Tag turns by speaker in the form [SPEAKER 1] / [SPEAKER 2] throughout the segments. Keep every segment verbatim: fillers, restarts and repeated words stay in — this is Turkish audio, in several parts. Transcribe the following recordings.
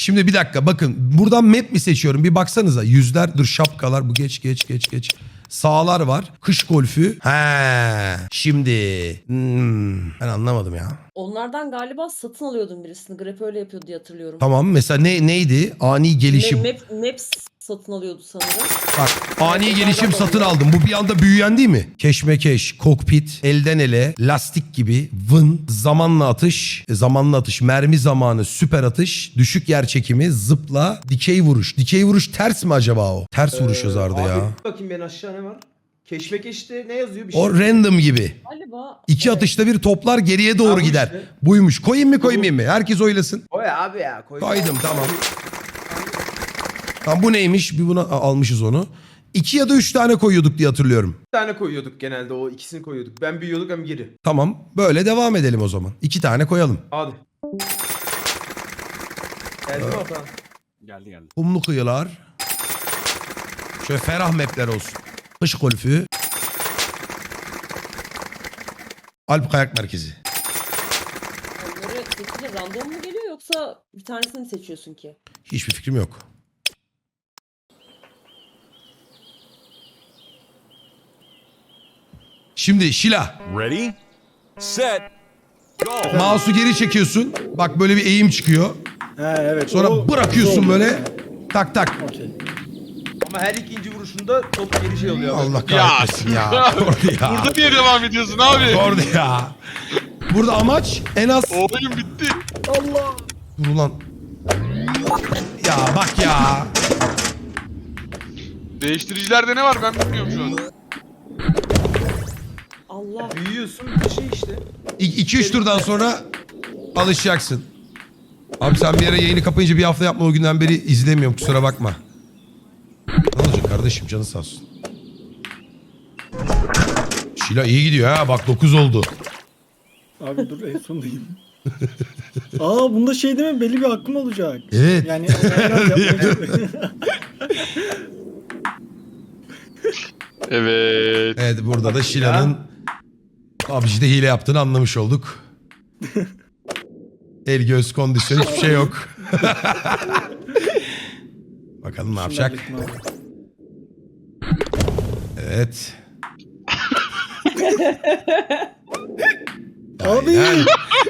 [SPEAKER 1] Şimdi bir dakika bakın. Buradan map mi seçiyorum? Bir baksanıza. Yüzler, dur şapkalar. Bu geç geç geç geç. Sağlar var. Kış golfü. He. Şimdi. Hmm, ben anlamadım ya.
[SPEAKER 2] Onlardan galiba satın alıyordum birisini. Grep öyle yapıyordu diye hatırlıyorum.
[SPEAKER 1] Tamam mesela ne neydi? Ani gelişim.
[SPEAKER 2] Map, Maps satın alıyordu sanırım.
[SPEAKER 1] Bak ani
[SPEAKER 2] Evet,
[SPEAKER 1] gelişim
[SPEAKER 2] onlardan
[SPEAKER 1] satın
[SPEAKER 2] oluyor.
[SPEAKER 1] aldım. Bu bir anda büyüyen değil mi? Keşmekeş, kokpit, elden ele, lastik gibi, vın, zamanla atış, e, zamanla atış, mermi zamanı, süper atış, düşük yer çekimi, zıpla, dikey vuruş. Dikey vuruş ters mi acaba o? Ters vuruş yazardı
[SPEAKER 3] Ee, abi,
[SPEAKER 1] ya.
[SPEAKER 3] bakayım ben aşağı ne var? Keşmekeşte ne yazıyor bir şey?
[SPEAKER 1] O random gibi.
[SPEAKER 2] Galiba.
[SPEAKER 1] İki
[SPEAKER 2] evet.
[SPEAKER 1] atışta bir toplar geriye doğru
[SPEAKER 3] Ha, bu
[SPEAKER 1] gider.
[SPEAKER 3] işte.
[SPEAKER 1] Buymuş. Koyayım mı koymayayım mı? Herkes oylasın.
[SPEAKER 3] Koy abi ya. Koy.
[SPEAKER 1] Koydum tamam. Tamam bu neymiş? Bir buna a- almışız onu. İki ya da üç tane koyuyorduk diye hatırlıyorum.
[SPEAKER 3] Bir tane koyuyorduk genelde, o ikisini koyuyorduk. Ben büyüyorduk hem geri.
[SPEAKER 1] Tamam. Böyle devam edelim o zaman. İki tane koyalım.
[SPEAKER 3] Hadi. Geldi mi Atan?
[SPEAKER 4] Geldi geldi.
[SPEAKER 1] Kumlu kıyılar. Şöyle ferah mapler olsun. Kış golfü. Alp Kayak Merkezi.
[SPEAKER 2] Onları seçince random mu geliyor yoksa bir tanesini mi seçiyorsun ki?
[SPEAKER 1] Hiçbir fikrim yok. Şimdi Şila.
[SPEAKER 4] Ready, set, go.
[SPEAKER 1] Mouse'u geri çekiyorsun. Bak böyle bir eğim çıkıyor.
[SPEAKER 5] Ha evet.
[SPEAKER 1] Sonra
[SPEAKER 5] o-
[SPEAKER 1] bırakıyorsun
[SPEAKER 5] o-
[SPEAKER 1] böyle. Tak tak.
[SPEAKER 5] Okey.
[SPEAKER 3] Ama her ikinci vuruşunda top geri şey oluyor.
[SPEAKER 1] Allah kahretmesin ya. Kordi ya.
[SPEAKER 6] Burada niye devam ediyorsun abi?
[SPEAKER 1] Kordi ya. Burada amaç en az...
[SPEAKER 6] O oyun bitti.
[SPEAKER 5] Allah.
[SPEAKER 1] Dur ulan. Ya bak ya.
[SPEAKER 6] Değiştiricilerde ne var ben bilmiyorum şu an.
[SPEAKER 2] Allah.
[SPEAKER 3] Büyüyorsun bir şey işte.
[SPEAKER 1] iki üç turdan sonra alışacaksın. Abi sen bir ara yayını kapayınca bir hafta yapma, o günden beri izlemiyorum, kusura bakma. Ne olacak kardeşim, canı sağ olsun. Şila iyi gidiyor ha, bak dokuz oldu.
[SPEAKER 5] Abi dur en sondayım. Aa bunda şey değil mi? Belli bir hakkım olacak.
[SPEAKER 1] Evet.
[SPEAKER 5] Yani biraz yapmayacağım.
[SPEAKER 6] Evet.
[SPEAKER 1] Evet, burada da Şila'nın P U B G'de hile yaptığını anlamış olduk. El göz kondisyon hiçbir şey yok. Bakalım ne yapacak.
[SPEAKER 5] Şimdi hallettim
[SPEAKER 1] Evet.
[SPEAKER 5] Abi.
[SPEAKER 1] Aynen.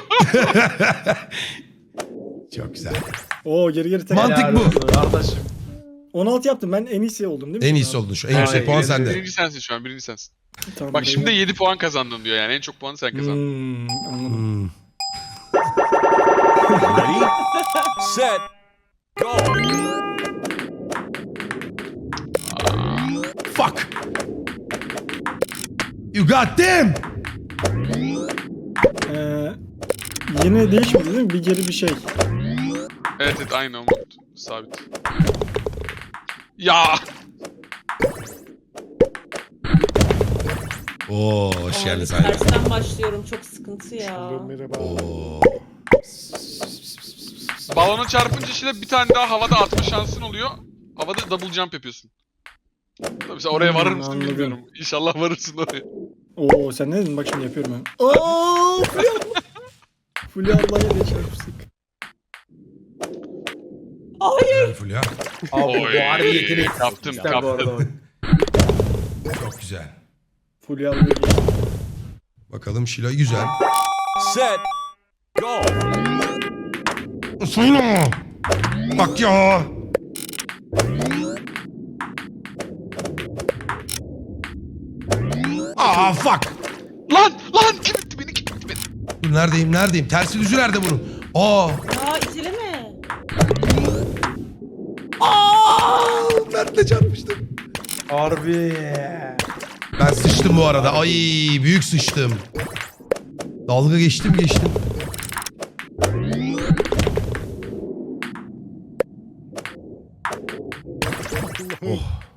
[SPEAKER 1] Çok güzel.
[SPEAKER 5] Oo geri geri tek.
[SPEAKER 1] Mantık
[SPEAKER 3] Helal
[SPEAKER 1] bu.
[SPEAKER 3] olsun Kardeşim.
[SPEAKER 5] on altı yaptım, ben en iyisi oldum değil mi?
[SPEAKER 1] En
[SPEAKER 5] şimdi
[SPEAKER 1] iyisi
[SPEAKER 5] abi?
[SPEAKER 1] oldun şu. En yüksek
[SPEAKER 3] Aynen,
[SPEAKER 1] puan
[SPEAKER 3] evet,
[SPEAKER 1] sende.
[SPEAKER 6] Birinci sensin şu an birinci sensin.
[SPEAKER 5] Tamam,
[SPEAKER 6] Bak
[SPEAKER 5] benim-
[SPEAKER 6] şimdi yedi puan kazandın diyor yani en çok puanı sen kazandın.
[SPEAKER 5] Hmm, anladım.
[SPEAKER 1] Hmm.
[SPEAKER 4] Ready, set, go.
[SPEAKER 1] Fuck. You got them.
[SPEAKER 5] Ee, yine değişmedi değil mi? Bir geri bir şey.
[SPEAKER 6] Evet evet aynı Umut. Sabit. Ya.
[SPEAKER 1] Oo, hoş geldin
[SPEAKER 2] Abi,
[SPEAKER 1] Sayla.
[SPEAKER 2] tersten başlıyorum, çok sıkıntı ya.
[SPEAKER 1] Oo.
[SPEAKER 6] Balona çarpınca işte bir tane daha havada atma şansın oluyor. Havada double jump yapıyorsun. Tabii sen oraya
[SPEAKER 5] Hmm,
[SPEAKER 6] varır mısın
[SPEAKER 5] anladım.
[SPEAKER 6] bilmiyorum. İnşallah varırsın oraya.
[SPEAKER 5] Oo sen ne dedin? Bak şimdi yapıyorum ben. Oo Fulya abla. Fulya ablaya da çarpıştık.
[SPEAKER 1] Güzel Fulya.
[SPEAKER 3] Abi
[SPEAKER 6] Oy,
[SPEAKER 3] bu harbi yetenek.
[SPEAKER 6] kaptım,
[SPEAKER 3] İşte bu arada o.
[SPEAKER 1] Çok güzel.
[SPEAKER 5] Fulya ablaya geçtim.
[SPEAKER 1] Bakalım Şila güzel.
[SPEAKER 4] Set, go.
[SPEAKER 1] Sayla. Bak ya. Aa fuck.
[SPEAKER 6] Lan lan kim itti beni kim itti beni?
[SPEAKER 1] Dur neredeyim neredeyim? Tersi düzü nerede bunun? Aa.
[SPEAKER 2] Ya itileme.
[SPEAKER 1] Aa. Mert'le çarpıştım.
[SPEAKER 3] Harbi.
[SPEAKER 1] Ben sıçtım bu arada. Ay büyük sıçtım. Dalga geçtim geçtim. Oh.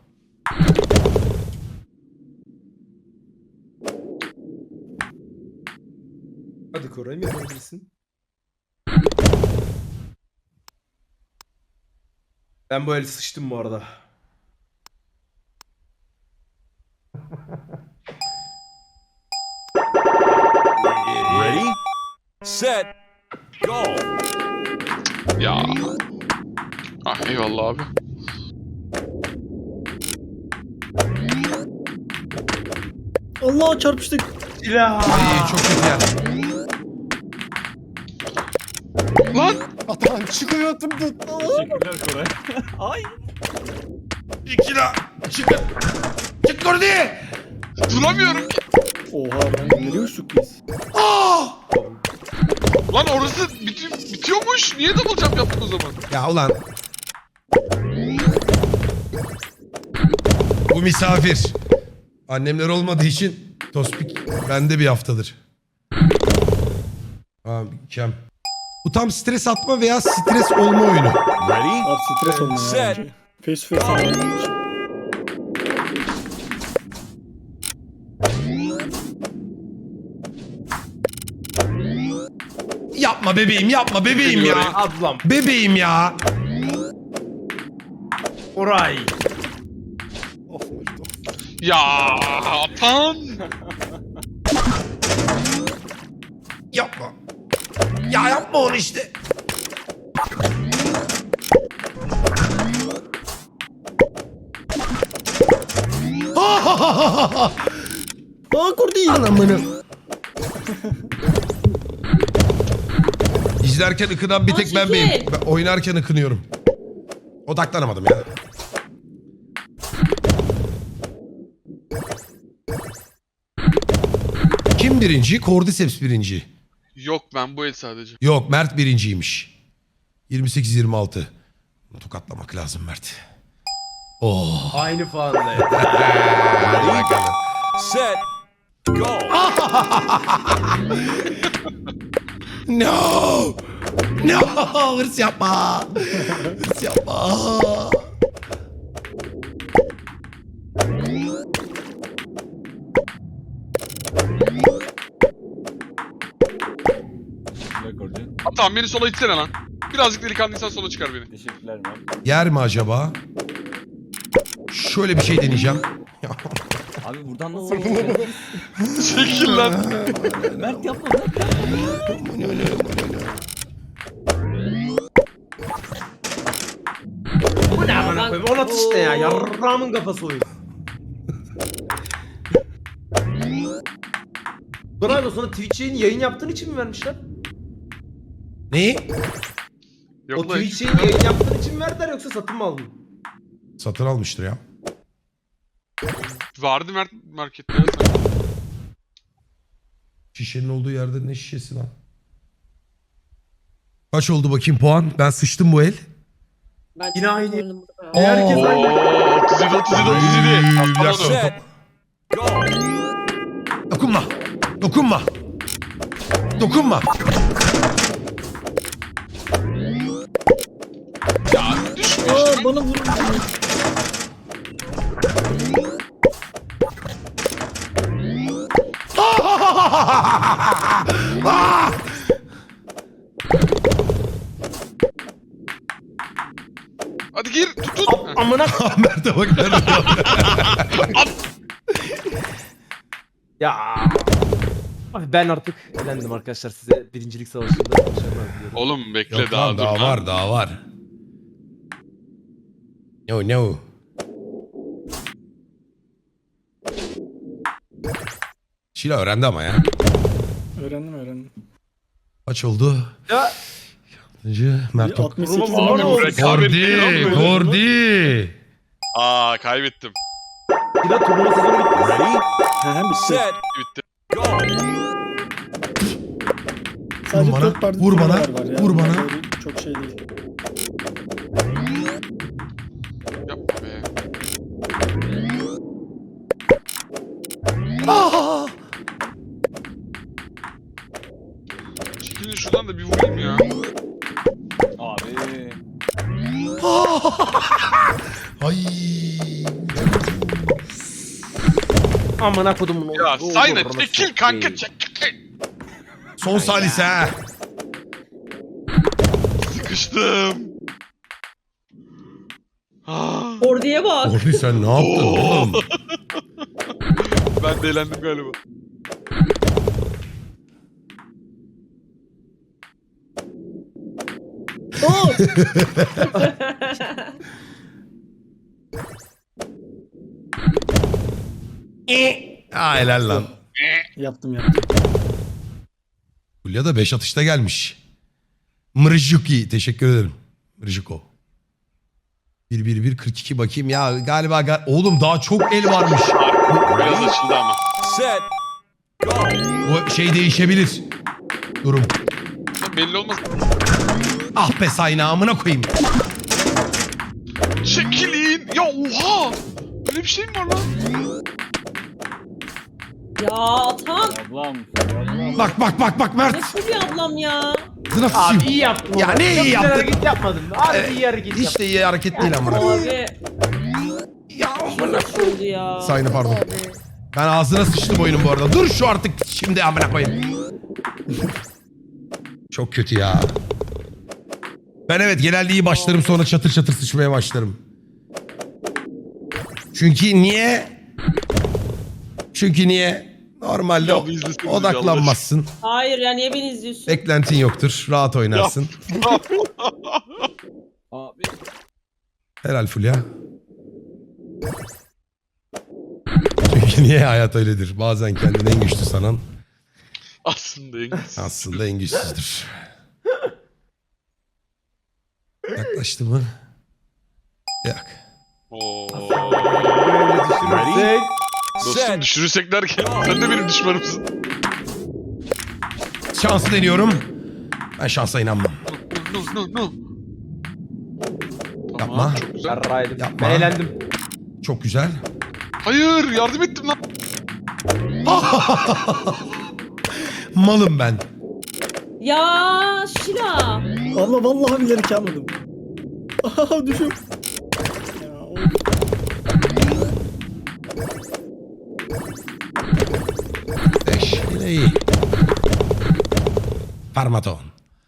[SPEAKER 3] Hadi Koray mı yapabilirsin? Ben bu el sıçtım bu arada.
[SPEAKER 4] Ready, set, go.
[SPEAKER 6] Ya. Ah eyvallah abi.
[SPEAKER 5] Allah çarpıştık.
[SPEAKER 3] Silah.
[SPEAKER 1] İyi, çok kötü yer.
[SPEAKER 6] Lan!
[SPEAKER 5] Atan çıkıyor tut tut.
[SPEAKER 7] Teşekkürler Koray. Ay.
[SPEAKER 1] İki la. Çık. Çık Kordi.
[SPEAKER 6] Duramıyorum ki.
[SPEAKER 5] Oha ben nereye uçtuk biz?
[SPEAKER 1] Aa!
[SPEAKER 6] Lan orası biti bitiyormuş. Niye double jump yaptık o zaman?
[SPEAKER 1] Ya ulan. Bu misafir. Annemler olmadığı için Tospik bende bir haftadır. Abi kem. Bu tam stres atma veya stres olma oyunu.
[SPEAKER 4] Ready?
[SPEAKER 5] Abi stres olma ya
[SPEAKER 4] Set.
[SPEAKER 5] bence. Face to face oynamak için.
[SPEAKER 1] Yapma bebeğim, yapma bebeğim ya.
[SPEAKER 3] Ablam.
[SPEAKER 1] Bebeğim ya.
[SPEAKER 3] Oray.
[SPEAKER 5] Of Macit of.
[SPEAKER 6] Ya Atan!
[SPEAKER 1] Yapma. Ya yapma onu işte.
[SPEAKER 5] Aa kurdi.
[SPEAKER 1] Anamını. İzlerken ıkınan bir tek ben
[SPEAKER 2] Aa,
[SPEAKER 1] miyim?
[SPEAKER 2] çekil.
[SPEAKER 1] Ben oynarken ıkınıyorum. Odaklanamadım ya. Kim birinci? Cordyceps birinci.
[SPEAKER 6] Yok ben bu el sadece.
[SPEAKER 1] Yok, Mert birinciymiş. yirmi sekiz yirmi altı. Tokatlamak lazım Mert. Oh.
[SPEAKER 3] Aynı puanda.
[SPEAKER 1] Hadi bakalım.
[SPEAKER 4] Set. Go.
[SPEAKER 1] No! No! Hırs yapma! Hırs yapma!
[SPEAKER 7] Teşekkürler Koray.
[SPEAKER 6] Atan beni sola itsene lan. Birazcık delikanlıysan sola çıkar beni.
[SPEAKER 7] Teşekkürler Mert.
[SPEAKER 1] Yer mi acaba? Şöyle bir şey deneyeceğim.
[SPEAKER 7] Abi buradan nasıl geçeceğiz?
[SPEAKER 6] Çekil lan.
[SPEAKER 7] Mert yapma Mert.
[SPEAKER 3] Bu ne amına
[SPEAKER 2] Ben-
[SPEAKER 3] koyayım? On at işte ya. Yarramın kafası oyun. Bravo, sana Twitch'in yayın yaptığın için mi vermişler?
[SPEAKER 1] Neyi?
[SPEAKER 3] O
[SPEAKER 6] Yok lan.
[SPEAKER 3] Twitch'in yayın yaptığın için mi verdiler yoksa satın mı aldın?
[SPEAKER 1] Satın almıştır ya.
[SPEAKER 6] Vardı Mert markette ya sen.
[SPEAKER 1] Şişenin olduğu yerde ne şişesi lan? Kaç oldu bakayım puan? Ben sıçtım bu el.
[SPEAKER 2] Ben
[SPEAKER 3] Yine
[SPEAKER 2] çok
[SPEAKER 3] aynı.
[SPEAKER 2] zorlandım burada.
[SPEAKER 3] Herkes
[SPEAKER 6] Oo,
[SPEAKER 3] aynı.
[SPEAKER 6] otuz yedi otuz yedi otuz yedi.
[SPEAKER 1] Üy,
[SPEAKER 6] Atamadım.
[SPEAKER 1] biraz-
[SPEAKER 4] Set. Go.
[SPEAKER 1] Dokunma. Dokunma. Dokunma.
[SPEAKER 6] Ya düşmüyor işte.
[SPEAKER 5] Aa bana vurun.
[SPEAKER 1] Ah!
[SPEAKER 6] Hadi gir tut tut. Heh.
[SPEAKER 3] Amına
[SPEAKER 1] Mert'e bak Mert'e bak.
[SPEAKER 3] ya. Abi ben artık elendim arkadaşlar, size birincilik savaşında başarılar diliyorum.
[SPEAKER 6] Oğlum bekle
[SPEAKER 1] Yok
[SPEAKER 6] daha
[SPEAKER 1] lan,
[SPEAKER 6] dur
[SPEAKER 1] daha
[SPEAKER 6] lan.
[SPEAKER 1] var daha var. No no. Şila öğrendi ama ya.
[SPEAKER 5] Öğrendim öğrendim.
[SPEAKER 1] Kaç oldu?
[SPEAKER 3] Ya
[SPEAKER 1] Altıncı Mert
[SPEAKER 5] Bir
[SPEAKER 1] Tok.
[SPEAKER 5] altmış sekiz
[SPEAKER 3] Vurma, vurma,
[SPEAKER 5] numara
[SPEAKER 3] vurma.
[SPEAKER 5] oldu.
[SPEAKER 1] Kordi, Kordi.
[SPEAKER 6] Aa kaybettim.
[SPEAKER 3] bir de turnuva sezonu bitti.
[SPEAKER 4] Ready?
[SPEAKER 5] He he bitti.
[SPEAKER 4] Set.
[SPEAKER 6] Bitti.
[SPEAKER 4] Go.
[SPEAKER 5] Sadece
[SPEAKER 1] Vur bana,
[SPEAKER 5] dört parti
[SPEAKER 1] vur bana,
[SPEAKER 5] turnuvalar var ya.
[SPEAKER 1] vur bana.
[SPEAKER 5] Böyle çok şey değil.
[SPEAKER 6] Yapma be.
[SPEAKER 1] Ah!
[SPEAKER 6] Çekilin şuradan da bir vurayım ya.
[SPEAKER 7] Abi.
[SPEAKER 1] Ay.
[SPEAKER 3] Amına kodumun oğlu.
[SPEAKER 6] Ya
[SPEAKER 3] Doğru,
[SPEAKER 6] Sayna
[SPEAKER 3] doğru,
[SPEAKER 6] çekil
[SPEAKER 3] orası
[SPEAKER 6] kanka
[SPEAKER 3] değil.
[SPEAKER 6] çekil.
[SPEAKER 1] Son salise ha.
[SPEAKER 6] Sıkıştım. Ah,
[SPEAKER 2] Kordi'ye bak.
[SPEAKER 1] Kordi sen ne yaptın oğlum?
[SPEAKER 6] ben de eğlendim galiba.
[SPEAKER 2] Oo.
[SPEAKER 1] Ha helal lan.
[SPEAKER 5] Yaptım yaptım.
[SPEAKER 1] Fulya da beş atışta gelmiş. Mrjuki teşekkür ederim. Mrjuko. bir bir bir kırk iki bakayım ya galiba ga- oğlum daha çok el varmış.
[SPEAKER 6] Biraz açıldı ama.
[SPEAKER 4] Set. Go.
[SPEAKER 1] Bu şey değişebilir. Durum.
[SPEAKER 6] Ya belli olmaz.
[SPEAKER 1] Ah be sayna amına koyayım.
[SPEAKER 6] Çekilin. Ya oha. Böyle bir şey mi var lan?
[SPEAKER 2] Ya Atan.
[SPEAKER 7] Ablam. Ablam.
[SPEAKER 1] Bak bak bak bak Mert.
[SPEAKER 2] Nasıl bir ablam ya?
[SPEAKER 1] Zına
[SPEAKER 3] Abi
[SPEAKER 1] sıçayım.
[SPEAKER 3] iyi yaptın.
[SPEAKER 1] Ya
[SPEAKER 3] oğlum.
[SPEAKER 1] ne iyi
[SPEAKER 3] Çok güzel
[SPEAKER 1] yaptık?
[SPEAKER 3] hareket yapmadın. Abi
[SPEAKER 1] Evet,
[SPEAKER 3] iyi hareket
[SPEAKER 1] Hiç
[SPEAKER 3] yaptın.
[SPEAKER 1] de iyi hareket değil amına.
[SPEAKER 2] Abi.
[SPEAKER 1] Ya
[SPEAKER 2] Nasıl oldu ya?
[SPEAKER 1] Sayna pardon. Ben ağzına sıçtım oyunun bu arada. Dur şu artık şimdi amına koyayım. Çok kötü ya. Ben evet genelde iyi başlarım sonra çatır çatır sıçmaya başlarım. Çünkü niye? Çünkü niye? Normalde
[SPEAKER 6] Ya bir izleseniz
[SPEAKER 1] odaklanmazsın.
[SPEAKER 2] Hayır ya niye beni izliyorsun?
[SPEAKER 1] Beklentin yoktur. Rahat oynarsın.
[SPEAKER 7] Abi.
[SPEAKER 1] Helal Fulya. Çünkü niye hayat öyledir? Bazen kendini en güçlü sanan
[SPEAKER 6] Aslında en güzel.
[SPEAKER 1] aslında en güçsüzdür. Yaklaştı mı? Yok.
[SPEAKER 6] Oo.
[SPEAKER 3] Böyle düşürürsek.
[SPEAKER 6] Dostum
[SPEAKER 4] Set.
[SPEAKER 6] düşürürsek derken sen de benim düşmanımsın.
[SPEAKER 1] Şansı deniyorum. Ben şansa inanmam.
[SPEAKER 6] No no no. Tamam,
[SPEAKER 1] Yapma.
[SPEAKER 6] Çok güzel.
[SPEAKER 3] Yarraydım.
[SPEAKER 1] Yapma.
[SPEAKER 3] Ben eğlendim.
[SPEAKER 1] Çok güzel.
[SPEAKER 6] Hayır yardım ettim lan.
[SPEAKER 1] Malım ben.
[SPEAKER 2] Ya Şila.
[SPEAKER 5] Allah vallahi bilerek yapmadım. Aha düşüm. Ya, of.
[SPEAKER 1] Beş. Yine iyi. Parmaton.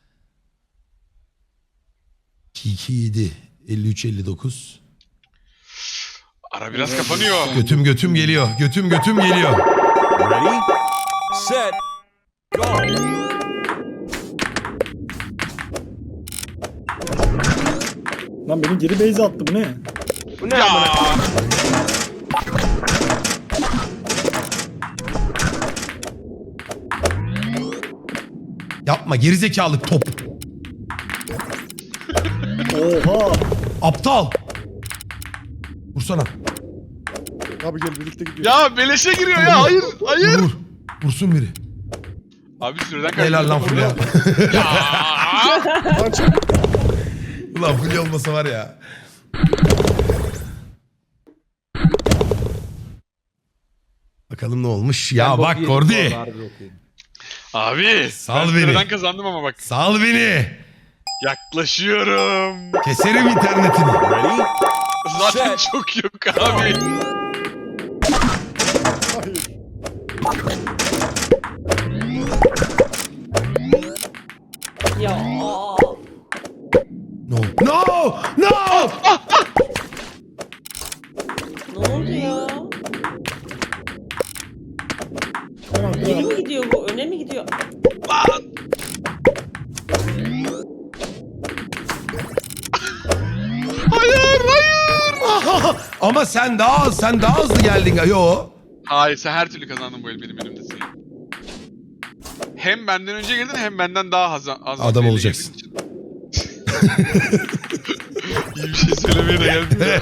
[SPEAKER 1] iki iki yedi. elli üç elli dokuz.
[SPEAKER 6] Ara biraz kapanıyor.
[SPEAKER 1] Götüm götüm geliyor. Götüm götüm geliyor.
[SPEAKER 4] Ready. Set. Go.
[SPEAKER 5] Lan beni geri base'e attı bu ne?
[SPEAKER 3] Bu ne
[SPEAKER 6] Ya.
[SPEAKER 3] amına?
[SPEAKER 1] Yapma gerizekalı top.
[SPEAKER 5] Oha.
[SPEAKER 1] Aptal. Vursana.
[SPEAKER 5] Abi gel birlikte gidiyoruz.
[SPEAKER 6] Ya beleşe giriyor ya. Hayır. Hayır.
[SPEAKER 1] Vur. Vursun biri.
[SPEAKER 6] Abi süreden kaybettim.
[SPEAKER 1] Helal lan Fulya.
[SPEAKER 6] Ya.
[SPEAKER 1] Ulan Fulya olmasa var ya. Bakalım ne olmuş. Ya
[SPEAKER 3] Ben bok
[SPEAKER 1] bak
[SPEAKER 3] yedim
[SPEAKER 1] Kordi.
[SPEAKER 3] bu arada, harbi bok yedim.
[SPEAKER 6] Abi.
[SPEAKER 1] Sal
[SPEAKER 6] ben
[SPEAKER 1] beni.
[SPEAKER 6] süreden kazandım ama bak.
[SPEAKER 1] Sal beni.
[SPEAKER 6] Yaklaşıyorum.
[SPEAKER 1] Keserim internetini.
[SPEAKER 4] Ready.
[SPEAKER 6] Zaten
[SPEAKER 4] Set.
[SPEAKER 6] çok yok abi.
[SPEAKER 2] Ya.
[SPEAKER 1] No. No. No.
[SPEAKER 2] Ne oldu ya?
[SPEAKER 5] Tamam,
[SPEAKER 2] Geri
[SPEAKER 5] tamam.
[SPEAKER 2] mi gidiyor bu? Öne mi gidiyor?
[SPEAKER 6] Hayır hayır.
[SPEAKER 1] Ama sen daha az, sen daha hızlı geldin. Yo.
[SPEAKER 6] Hayır sen her türlü kazandın bu el benim elimdesin. Hem benden önce girdin hem benden daha az, az
[SPEAKER 1] Adam
[SPEAKER 6] önce
[SPEAKER 1] olacaksın.
[SPEAKER 6] girdiğin için. İyi bir şey söylemeye de geldim de.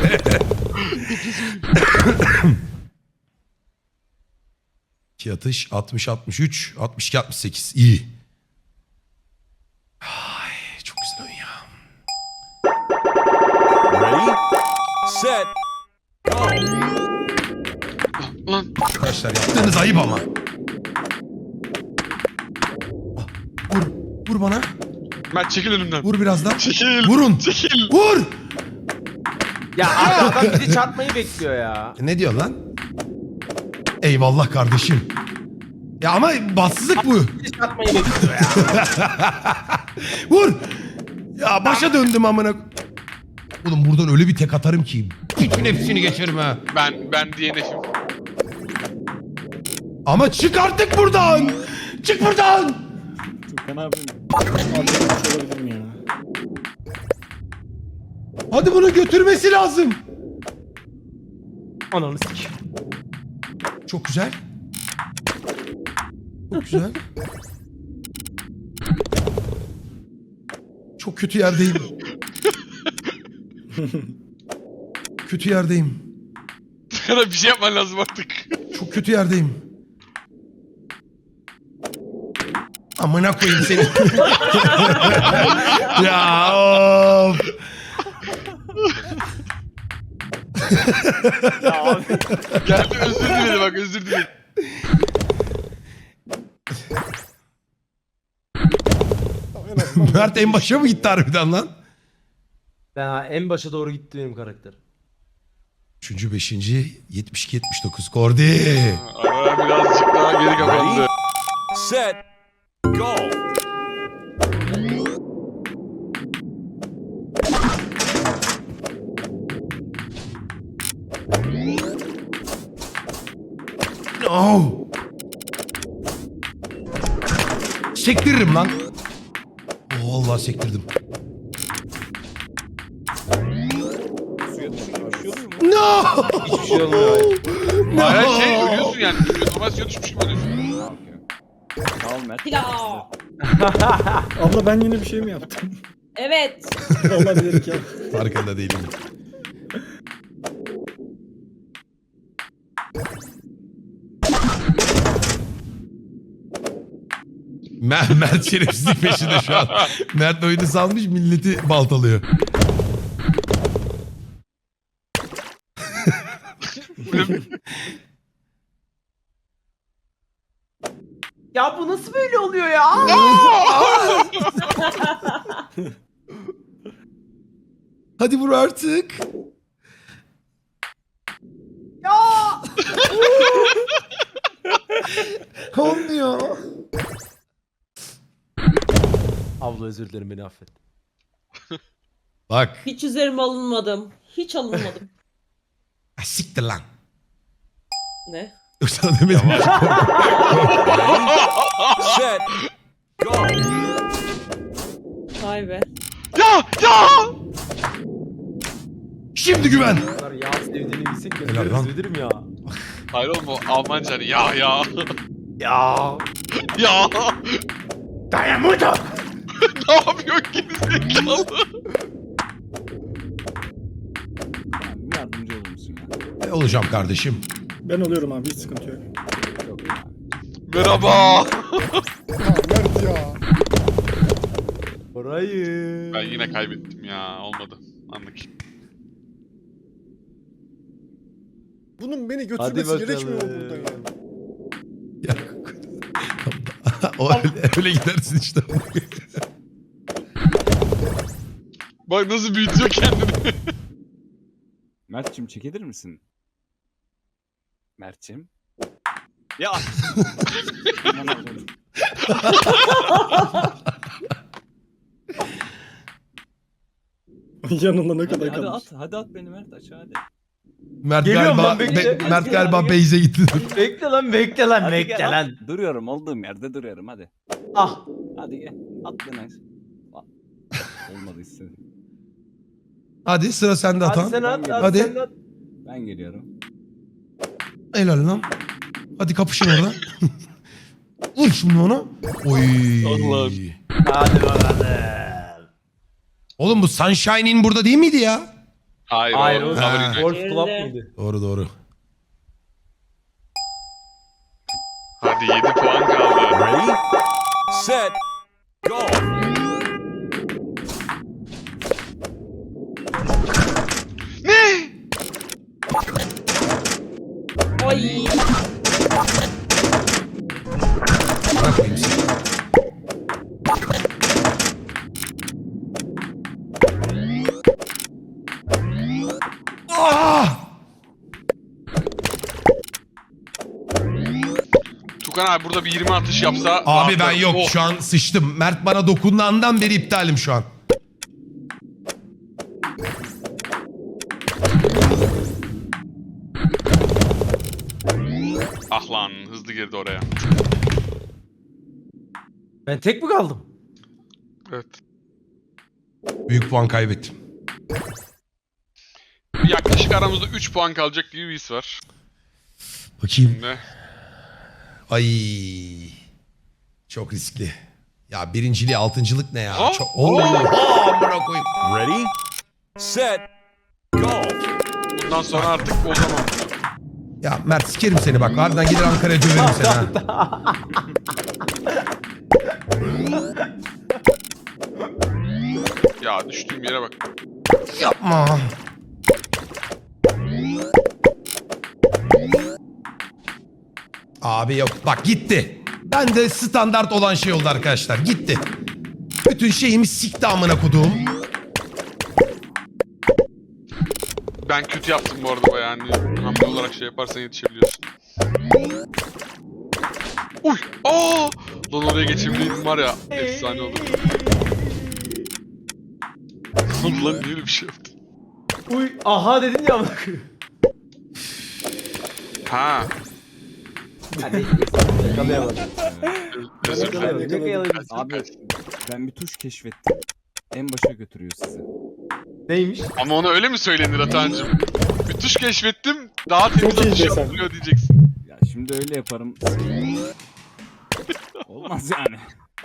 [SPEAKER 1] İki atış altmış altmış üç altmış iki altmış sekiz iyi. Ay, çok güzel oyun ya.
[SPEAKER 4] Ready. Set. Go.
[SPEAKER 6] Lan
[SPEAKER 1] Arkadaşlar yaptığınız ayıp ama. Ah, Vur. Vur bana.
[SPEAKER 6] Mert çekil önümden.
[SPEAKER 1] Vur biraz daha.
[SPEAKER 6] Çekil.
[SPEAKER 1] Vurun.
[SPEAKER 6] Çekil.
[SPEAKER 1] Vur.
[SPEAKER 3] Ya abi adam bizi çarpmayı bekliyor ya.
[SPEAKER 1] E, Ne diyorsun lan? Eyvallah kardeşim. Ya ama bassızlık bu.
[SPEAKER 3] Bizi çarpmayı bekliyor ya.
[SPEAKER 1] Vur. Ya başa döndüm amına. Oğlum buradan öyle bir tek atarım ki. Bütün hepsini geçerim ha.
[SPEAKER 6] Ben ben D N F'im.
[SPEAKER 1] Ama çık artık buradan. Çık buradan.
[SPEAKER 5] Furkan abi. Abi olabilirim ya.
[SPEAKER 1] Hadi bunu götürmesi lazım.
[SPEAKER 3] Ananı sik.
[SPEAKER 1] Çok güzel. Çok güzel. Çok kötü yerdeyim. Kötü yerdeyim.
[SPEAKER 6] Sana bir şey yapman lazım artık.
[SPEAKER 1] Çok kötü yerdeyim. Amına koyayım seni. Ya of.
[SPEAKER 3] Ya abi.
[SPEAKER 6] Geldi özür diledi bak özür diledi.
[SPEAKER 1] Mert en başa mı gitti harbiden lan?
[SPEAKER 3] Ben ha, en başa doğru gitti benim karakter.
[SPEAKER 1] Üçüncü, beşinci, yetmiş iki, yetmiş dokuz. Kordi.
[SPEAKER 6] Ara birazcık daha geri kapandı.
[SPEAKER 4] Set. Go.
[SPEAKER 1] No. Sektiririm lan. Oh, vallahi sektirdim.
[SPEAKER 7] Suya düşünce bir şey oluyor mu?
[SPEAKER 1] No.
[SPEAKER 3] Hiçbir şey olmuyor.
[SPEAKER 1] No.
[SPEAKER 6] Hayır şey ölüyorsun yani. Normal suya düşmüş gibi ölüyorsun.
[SPEAKER 7] Ha, okey. Sağ ol Mert.
[SPEAKER 2] Pilav.
[SPEAKER 5] Abla ben yine bir şey mi yaptım?
[SPEAKER 2] Evet.
[SPEAKER 5] Vallahi bilerek ya.
[SPEAKER 1] Farkında değilim. Mer Mert şerefsizlik peşinde şu an. Mert oyunu salmış, milleti baltalıyor.
[SPEAKER 3] Ya bu nasıl böyle oluyor ya?
[SPEAKER 1] Hadi vur artık.
[SPEAKER 3] Ya!
[SPEAKER 1] Olmuyor.
[SPEAKER 3] Abla özür dilerim, beni affet.
[SPEAKER 1] Bak.
[SPEAKER 2] Hiç üzerime alınmadım. Hiç alınmadım.
[SPEAKER 1] Ha, siktir lan.
[SPEAKER 2] Ne?
[SPEAKER 1] Sana demedim.
[SPEAKER 4] Set. Go.
[SPEAKER 2] Vay be.
[SPEAKER 6] Ya ya!
[SPEAKER 1] Şimdi güven.
[SPEAKER 3] Bu kadar yağ sevdiğini bilsek
[SPEAKER 1] Helal
[SPEAKER 3] gözleri
[SPEAKER 1] lan.
[SPEAKER 3] üzülürüm ya.
[SPEAKER 6] Hayır oğlum o Almanca hani ya ya.
[SPEAKER 3] Ya.
[SPEAKER 6] Ya.
[SPEAKER 1] Dayamuda.
[SPEAKER 6] Ne yapıyor gerizekalı?
[SPEAKER 7] Yani bir yardımcı olur musun ya?
[SPEAKER 1] E, olacağım kardeşim.
[SPEAKER 5] Ben oluyorum abi hiç sıkıntı yok.
[SPEAKER 7] Yok ya.
[SPEAKER 6] Merhaba.
[SPEAKER 5] Mert ya.
[SPEAKER 3] Orayı.
[SPEAKER 6] Ben yine kaybettim ya olmadı. Anlık.
[SPEAKER 5] Bunun beni
[SPEAKER 3] Hadi
[SPEAKER 5] götürmesi
[SPEAKER 3] bakalım.
[SPEAKER 5] gerekmiyor mu buradan ya?
[SPEAKER 1] Ya. o öyle, öyle gidersin işte.
[SPEAKER 6] Bak nasıl büyütüyor kendini.
[SPEAKER 7] Mert'cim çekilir misin? Mert'cim. Ya. Aman Allah'ım.
[SPEAKER 5] Yanında ne
[SPEAKER 7] Hadi,
[SPEAKER 5] kadar
[SPEAKER 7] hadi
[SPEAKER 5] kalmış.
[SPEAKER 7] at, hadi at beni Mert aşağı hadi.
[SPEAKER 1] Mert
[SPEAKER 3] Geliyorum
[SPEAKER 1] galiba
[SPEAKER 3] lan, bekle.
[SPEAKER 1] Be- Mert galiba Beyze gitti.
[SPEAKER 3] Bekle lan, bekle lan,
[SPEAKER 7] Hadi
[SPEAKER 3] bekle
[SPEAKER 7] gel,
[SPEAKER 3] lan.
[SPEAKER 7] at. Duruyorum olduğum yerde duruyorum hadi.
[SPEAKER 3] Ah.
[SPEAKER 7] Hadi gel. At beni. At. Olmadı istedim.
[SPEAKER 1] Hadi sıra sende
[SPEAKER 3] Hadi
[SPEAKER 1] Atan.
[SPEAKER 3] sen at, hadi,
[SPEAKER 1] Hadi.
[SPEAKER 3] sen at.
[SPEAKER 7] Ben geliyorum.
[SPEAKER 1] Helal lan. Hadi kapışın orada. Vur şimdi ona. Oy.
[SPEAKER 6] Allah'ım.
[SPEAKER 3] Hadi bakalım.
[SPEAKER 1] Oğlum bu Sunshine'in burada değil miydi ya?
[SPEAKER 6] Hayır,
[SPEAKER 3] Hayır
[SPEAKER 6] o
[SPEAKER 3] o
[SPEAKER 1] Ha.
[SPEAKER 6] Power
[SPEAKER 3] Golf
[SPEAKER 6] Unite.
[SPEAKER 3] Club
[SPEAKER 2] Geride.
[SPEAKER 3] mıydı?
[SPEAKER 1] Doğru doğru.
[SPEAKER 6] Hadi yedi puan kaldı.
[SPEAKER 4] Ready. Set. Go.
[SPEAKER 6] Ne?
[SPEAKER 2] Ay.
[SPEAKER 1] Bırak koyayım seni. Ah!
[SPEAKER 6] Tukan abi burada bir yirmi atış yapsa.
[SPEAKER 1] Abi ben
[SPEAKER 6] rahatlarım.
[SPEAKER 1] yok
[SPEAKER 6] Oh.
[SPEAKER 1] şu an sıçtım. Mert bana dokunduğundan beri iptalim şu an.
[SPEAKER 6] Ah lan hızlı girdi oraya.
[SPEAKER 3] Ben tek mi kaldım?
[SPEAKER 6] Evet.
[SPEAKER 1] Büyük puan kaybettim.
[SPEAKER 6] Sanki aramızda üç puan kalacak gibi bir his var.
[SPEAKER 1] Bakayım.
[SPEAKER 6] Şimdi.
[SPEAKER 1] Ay. Çok riskli. Ya birinciliği altıncılık ne ya?
[SPEAKER 6] Aa,
[SPEAKER 1] Çok... Oo, amına koyayım.
[SPEAKER 4] Ready, set, go.
[SPEAKER 6] Bundan sonra artık o zaman.
[SPEAKER 1] Ya Mert sikerim seni bak. Harbiden gider Ankara'ya döverim seni ha.
[SPEAKER 6] Ya düştüğüm yere bak.
[SPEAKER 1] Yapma. Abi yok. Bak gitti. Ben de standart olan şey oldu arkadaşlar. Gitti. Bütün şeyimi sikti amına koduğum.
[SPEAKER 6] Ben kötü yaptım bu arada bayağı. Hani hamle olarak şey yaparsan yetişebiliyorsun. Uy! Aa! Lan oraya geçebileydim var ya. Efsane olur. Lan niye öyle bir şey yaptın?
[SPEAKER 3] Uy aha dedin ya amına koyayım.
[SPEAKER 6] Ha.
[SPEAKER 3] Hadi yakalayamadım.
[SPEAKER 6] Özür dilerim.
[SPEAKER 3] Yakalayamadım. Ne yakalayabiliriz?
[SPEAKER 7] Abi ben bir tuş keşfettim. En başa götürüyor sizi.
[SPEAKER 3] Neymiş?
[SPEAKER 6] Ama ona öyle mi söylenir Atancığım? Bir tuş keşfettim, daha temiz
[SPEAKER 5] Çok iyi
[SPEAKER 6] atış
[SPEAKER 5] desem.
[SPEAKER 6] yapılıyor diyeceksin.
[SPEAKER 7] Ya şimdi öyle yaparım. Olmaz yani.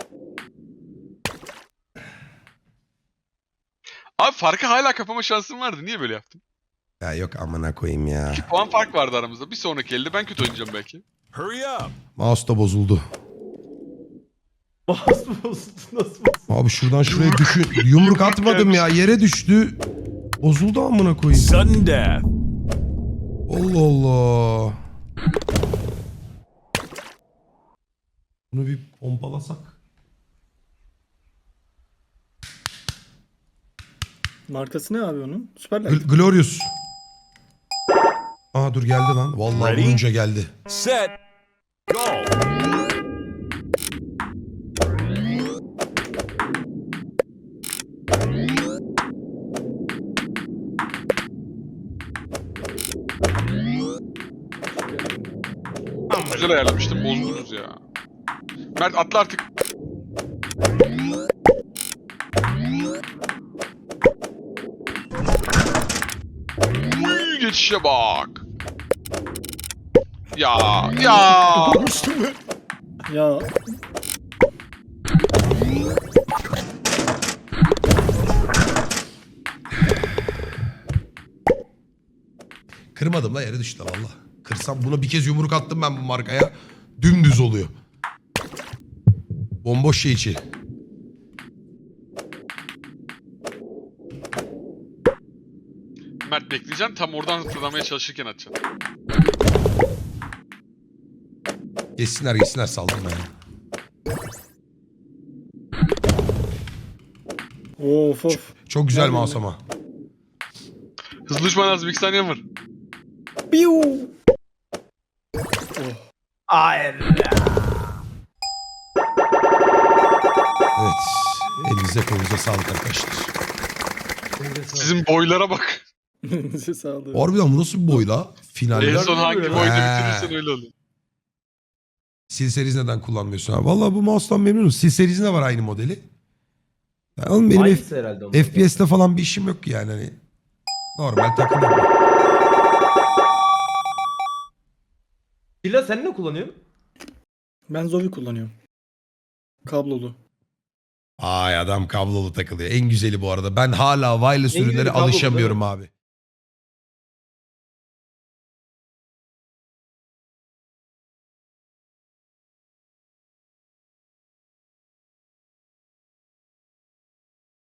[SPEAKER 6] Abi farkı hala kapama şansım vardı. Niye böyle yaptın?
[SPEAKER 1] Ya yok amına koyayım ya.
[SPEAKER 6] iki puan fark vardı aramızda. Bir sonraki elde ben kötü oynayacağım belki.
[SPEAKER 4] Hurry up.
[SPEAKER 1] Mouse da bozuldu.
[SPEAKER 3] Mouse mu bozuldu? Nasıl bozuldu?
[SPEAKER 1] Abi şuradan şuraya düşün. Yumruk atmadım ya. Yere düştü. Bozuldu amına koyayım.
[SPEAKER 4] Sudden death.
[SPEAKER 1] Allah Allah. Bunu bir pompalasak.
[SPEAKER 5] Markası ne abi onun? Süperlight.
[SPEAKER 1] Gl- Glorious. Aa dur geldi lan. Vallahi
[SPEAKER 4] Ready?
[SPEAKER 1] vurunca geldi.
[SPEAKER 4] Set, go.
[SPEAKER 6] Güzel ayarlamıştım, bozdunuz ya. Mert atla artık. Uy, geçişe bak. Ya, ya.
[SPEAKER 5] Ya
[SPEAKER 1] Kırmadım la yere düştü valla. Kırsam buna bir kez yumruk attım ben bu markaya. Dümdüz oluyor. Bomboş şey içi.
[SPEAKER 6] Mert bekleyeceksin, tam oradan fırlamaya çalışırken atacaksın.
[SPEAKER 1] Geçsinler geçsinler saldım ben.
[SPEAKER 5] of of.
[SPEAKER 1] Çok güzel
[SPEAKER 5] Nerede
[SPEAKER 1] mouse
[SPEAKER 5] bu?
[SPEAKER 1] ama.
[SPEAKER 6] Hızlı düşman lazım, iki saniyem var.
[SPEAKER 5] Piu.
[SPEAKER 3] Hayır.
[SPEAKER 1] Evet. Elinize kolunuza sağlık arkadaşlar.
[SPEAKER 6] Sizin boylara bak.
[SPEAKER 5] Size sağlık.
[SPEAKER 1] Harbiden bu nasıl bir boy la?
[SPEAKER 6] En
[SPEAKER 1] Finaller.
[SPEAKER 6] son hangi
[SPEAKER 3] He.
[SPEAKER 6] boyda bitirirsen öyle oluyor.
[SPEAKER 1] Sil series neden kullanmıyorsun abi? Valla bu mouse'dan memnunum. Sil seriesinde var aynı modeli. Ya oğlum benim F-
[SPEAKER 3] Aynısı herhalde onun.
[SPEAKER 1] F P S'le falan bir işim yok ki yani. Hani normal takılıyorum.
[SPEAKER 3] Dila sen ne kullanıyorsun?
[SPEAKER 5] Ben Zovi kullanıyorum. Kablolu.
[SPEAKER 1] Ay adam kablolu takılıyor. En güzeli bu arada. Ben hala wireless
[SPEAKER 3] En güzeli
[SPEAKER 1] ürünlere
[SPEAKER 3] kablolu,
[SPEAKER 1] alışamıyorum
[SPEAKER 3] değil
[SPEAKER 1] abi.